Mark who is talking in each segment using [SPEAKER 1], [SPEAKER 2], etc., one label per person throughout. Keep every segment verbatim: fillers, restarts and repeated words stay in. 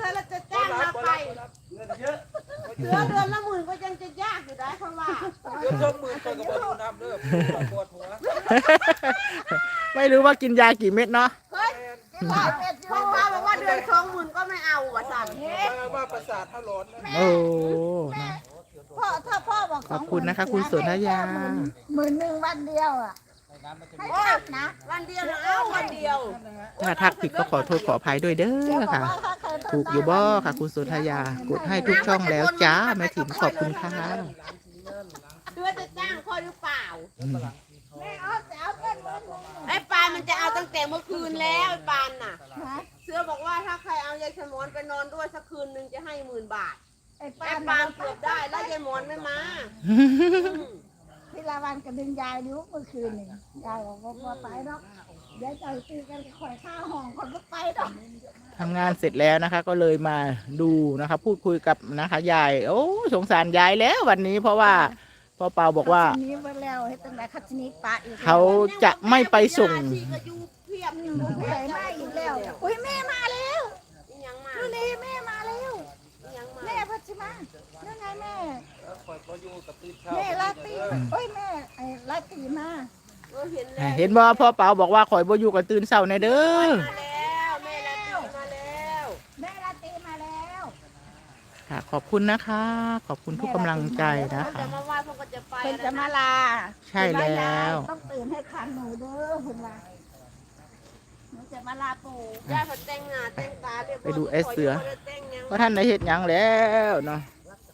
[SPEAKER 1] เราจะจ้างมาไป
[SPEAKER 2] เงินเยอะ
[SPEAKER 1] เดือนเดือนละหมื่นก็ยังจะยากอยู่ได้เพราะว่า
[SPEAKER 2] เดือนสองหมื่นก็กระบอกดูน้ำเด้อปวดหัว
[SPEAKER 3] ไม่รู้ว่ากินยากี่เม็ดเนาะ
[SPEAKER 1] เฮ้ยเพราะว่าบอกว่าเดือนสองหมื่นก็ไม่เอาว่ะสั่ง
[SPEAKER 2] ว่าประสาทถ้าร้อนนะ
[SPEAKER 3] โอ้นะ
[SPEAKER 4] พ่อถ้าพ่อบอก
[SPEAKER 3] ขอบคุณนะคะ คุณสนธยา
[SPEAKER 4] หมื่นหนึ่งวันเดียวอ่ะให้ทักนะ
[SPEAKER 1] วันเดียวนะเอาวันเดียว
[SPEAKER 3] ถ้าทักผิดก็ขอโทษขออภัยด้วยเด้อค่ะ ถูกอยู่บ่ค่ะ คุณสุธยากดให้ทุกช่องแล้วจ้าแม่ถิ่นขอบคุณค่ะ
[SPEAKER 1] เดือนจะจ้างคอยหรือเปล่า
[SPEAKER 4] แม่เอาแต่เอาเงินหมื่นหนึ่ง
[SPEAKER 1] ไอ้ปานมันจะเอาตั้งแต่เมื่อคืนแล้วไอ้ปานน่ะ
[SPEAKER 4] นะ
[SPEAKER 1] เสือบอกว่าถ้าใครเอายายสมอนไปนอนด้วยสักคืนหนึ่งจะให้หมื่นบาท
[SPEAKER 4] ไอ้
[SPEAKER 1] ไอ้
[SPEAKER 4] ปาน
[SPEAKER 1] ปานเกือบได้แล้วยายหมอนไม่มา
[SPEAKER 4] พิลาวันกับดึงยายอยู่เมื่อคืนนี่ยายบอกว่าบ่ไปหรอกเดี๋ยวจะตีกันข่อยข้าวห้องคนก็ไปหรอก
[SPEAKER 3] ทำงานเสร็จแล้วนะคะ ก็เลยมาดูนะคะ พูดคุยกับนะคะยายโอ้สงสารยายแล้ววันนี้เพราะว่าพ่อเปาบอกว่า
[SPEAKER 4] ทีนี้มาแล้วให้ตั้งแต่คัชนีปะอีก
[SPEAKER 3] เขาจะไม่ไปส่ง
[SPEAKER 1] ที่ก็อยู่เพียบอยู่
[SPEAKER 4] ผู้ใหญ่มาอีกแล้วอุ้ยแม่มาแล้ว
[SPEAKER 1] ยังมา
[SPEAKER 4] ดูนี่แม่มาแล้ว
[SPEAKER 1] ยังมา
[SPEAKER 4] แม่พัชมานั่นไงแม่
[SPEAKER 2] คอยพออยู่กับตื่นเช้า
[SPEAKER 4] แม่ลาตีโอ้ยแม่ไอ้ลาตีมา
[SPEAKER 1] เออเห็นแล้ว
[SPEAKER 3] เห็นบ่พ่อเปาบอกว่าข่อยบ่อยู่กับตื่นเช้าในเด้อ
[SPEAKER 1] มาแล้วแม่ละตีมาแล้ว
[SPEAKER 4] แม่ลาตีมาแล้ว
[SPEAKER 3] ค่ะ ขอบคุณนะคะ ขอบคุณทุกกำลังใจนะ
[SPEAKER 1] เขา
[SPEAKER 3] คะ
[SPEAKER 1] จะมาไหว้เขาก็จะไป
[SPEAKER 4] เพิ่นจะมาลา
[SPEAKER 3] ใช่แล้ว
[SPEAKER 4] ต้องตื่นให้ทันหนูเด้อเพิ่นว่าหนูจะมาลาปู่
[SPEAKER 1] ย่าเขาแต่งหน้าแต่งตาเรียบร้อย
[SPEAKER 3] ไปดูไอ้เสือ
[SPEAKER 1] บ่ได้แต่งหยัง
[SPEAKER 3] ว่าท่านได้เฮ็ดหยังแล้วเนาะ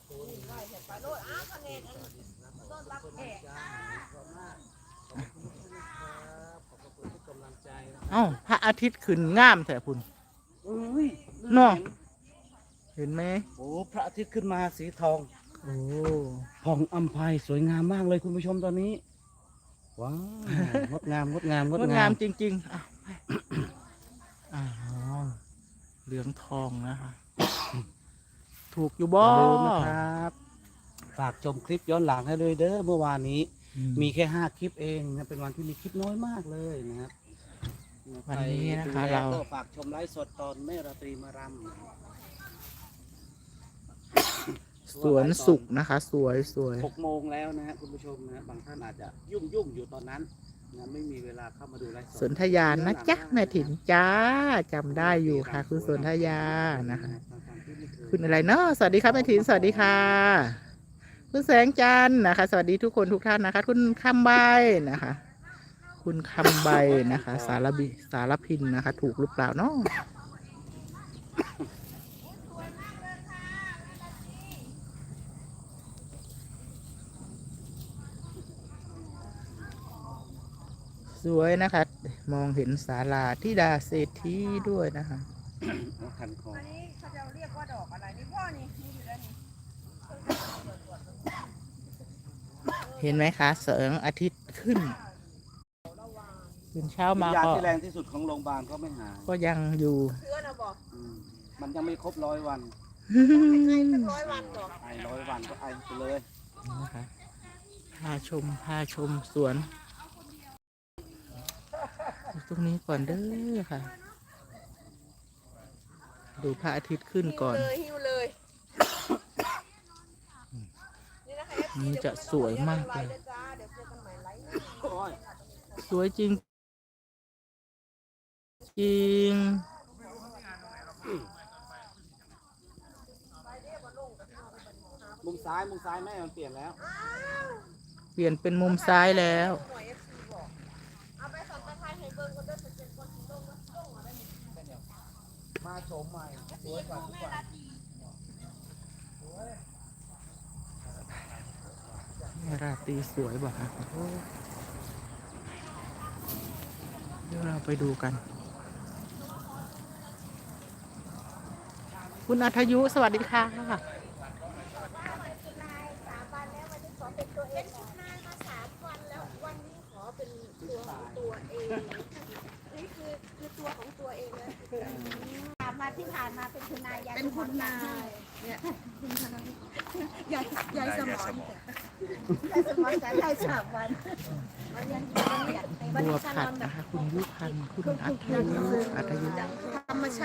[SPEAKER 3] เอ้าพระอาทิตย์ขึ้นงามแท้พุ่น
[SPEAKER 2] เอ้ย
[SPEAKER 3] เนาะเห็นไหม
[SPEAKER 2] โอ้พระอาทิตย์ขึ้นมาสีทอง
[SPEAKER 3] โอ้
[SPEAKER 2] ผ่องอัมพายสวยงามมากเลยคุณผู้ชมตอนนี้ ว้าวงดงามงดงามง
[SPEAKER 3] ง
[SPEAKER 2] ด
[SPEAKER 3] ด
[SPEAKER 2] งาง
[SPEAKER 3] าม มจริงๆอ้าวไปอ้าวเหลืองทองนะคะ ถูกอยู่บ่
[SPEAKER 2] อย่าลืมนะครับ ฝากชมคลิปย้อนหลังให้เลยเด้อเมื่อวานนี้
[SPEAKER 3] อืม
[SPEAKER 2] มีแค่ห้าคลิปเองนะเป็นวันที่มีคลิปน้อยมากเลยนะครับ
[SPEAKER 3] วันนี้นะคะ
[SPEAKER 2] ใดูแล
[SPEAKER 3] เรา
[SPEAKER 2] ก็ฝากชมไลฟ์สดตอนแม่ราตรีมารำ
[SPEAKER 3] สวนสุขนะคะ สวยสวย
[SPEAKER 2] หกโมงแล้วนะฮะคุณผู้ชมนะบางท่านอาจจะยุ่งยุ่งๆอยู่ตอนนั้นนะไม่มีเวลาเข้ามาดูไลฟ์สด
[SPEAKER 3] สนธยานะจ๊ะแม่ถิ่นจ้าจำได้อยู่ค่ะ คุณสนธยานะคะ คุณอะไรเนาะสวัสดีครับแม่ถิ่นสวัสดีค่ะ คุณแสงจันทร์นะคะ สวัสดีทุกคนทุกท่านนะคะ คุณคำใบนะคะ คุณคำใบนะคะ สารบิสารพินนะคะ ถูกหรือเปล่าเนาะสวยนะคะ มองเห็นศาลาธิดาเศรษฐีด้วยนะคะ
[SPEAKER 2] คันคอ
[SPEAKER 4] อันนี้เขาจะเรียกว่าดอกอะไรนี่พ่อนี่นี่อยู่แล้วนี่
[SPEAKER 3] เห็นไหมคะแสงอาทิตย์ขึ้นตื่นเช้ามา
[SPEAKER 2] วิญญาณ
[SPEAKER 3] ก็
[SPEAKER 2] ที่แรงที่สุดของโรงพยาบาลก็ไม่หาย
[SPEAKER 3] ก็ยังอยู่
[SPEAKER 1] เสือนะบอก
[SPEAKER 2] อืมมันยังไม่ครบร้อยวัน
[SPEAKER 1] ไงสักร้อยวันบอก
[SPEAKER 2] ไอร้อยวันก็ไอไปเลย
[SPEAKER 3] นะคะพาชมพาชมสวนอยู่ตรงนี้ก่อนเด้อค่ะ ดูพระอาทิตย์ขึ้นก่อน
[SPEAKER 1] เลยหิวเลยนี่นะคะ
[SPEAKER 3] นี่จะสวยมากเลย
[SPEAKER 1] เดี๋ยวจ้าเดี๋ยวเจอกันใหม่ไลฟ์
[SPEAKER 3] สวยจริงจริง
[SPEAKER 2] มุมซ้ายมุมซ้ายแม่มันเปลี่ยนแล้ว
[SPEAKER 3] เปลี่ยนเป็นมุมซ้ายแล้ว
[SPEAKER 1] หน่วย เอฟ ซี บอกเอาไปสัมปทานให้เบิ่งก็ได้เป็นเป็นคนที่ลงนะลงมาได้นี่
[SPEAKER 2] มาโฉมใหม่สวยกว่าทุกวัน
[SPEAKER 3] แม่ราตรีสวยบอกค่ะโอ้เดี๋ยวเราไปดูกัน คุณอัธยุสวัสดีค่ะ
[SPEAKER 1] เป็นชุดนายมาสามวันแล้ววันนี้ขอเป็นตัวของตัวเองนี่คือคือตัวของตัวเองเลย
[SPEAKER 4] ถามมาที่ผ่านมาเป็นคุณนายยาย
[SPEAKER 1] เป็นคุณนายเนี่ยคุณนายยายยายสมอน
[SPEAKER 4] ยายสมอนแต่ยายสามวัน
[SPEAKER 1] วันนี้
[SPEAKER 3] บัวผัดนะคะ คุณยุพันธ์คุณอัธยุอัธยุ
[SPEAKER 1] ธรรมชาติ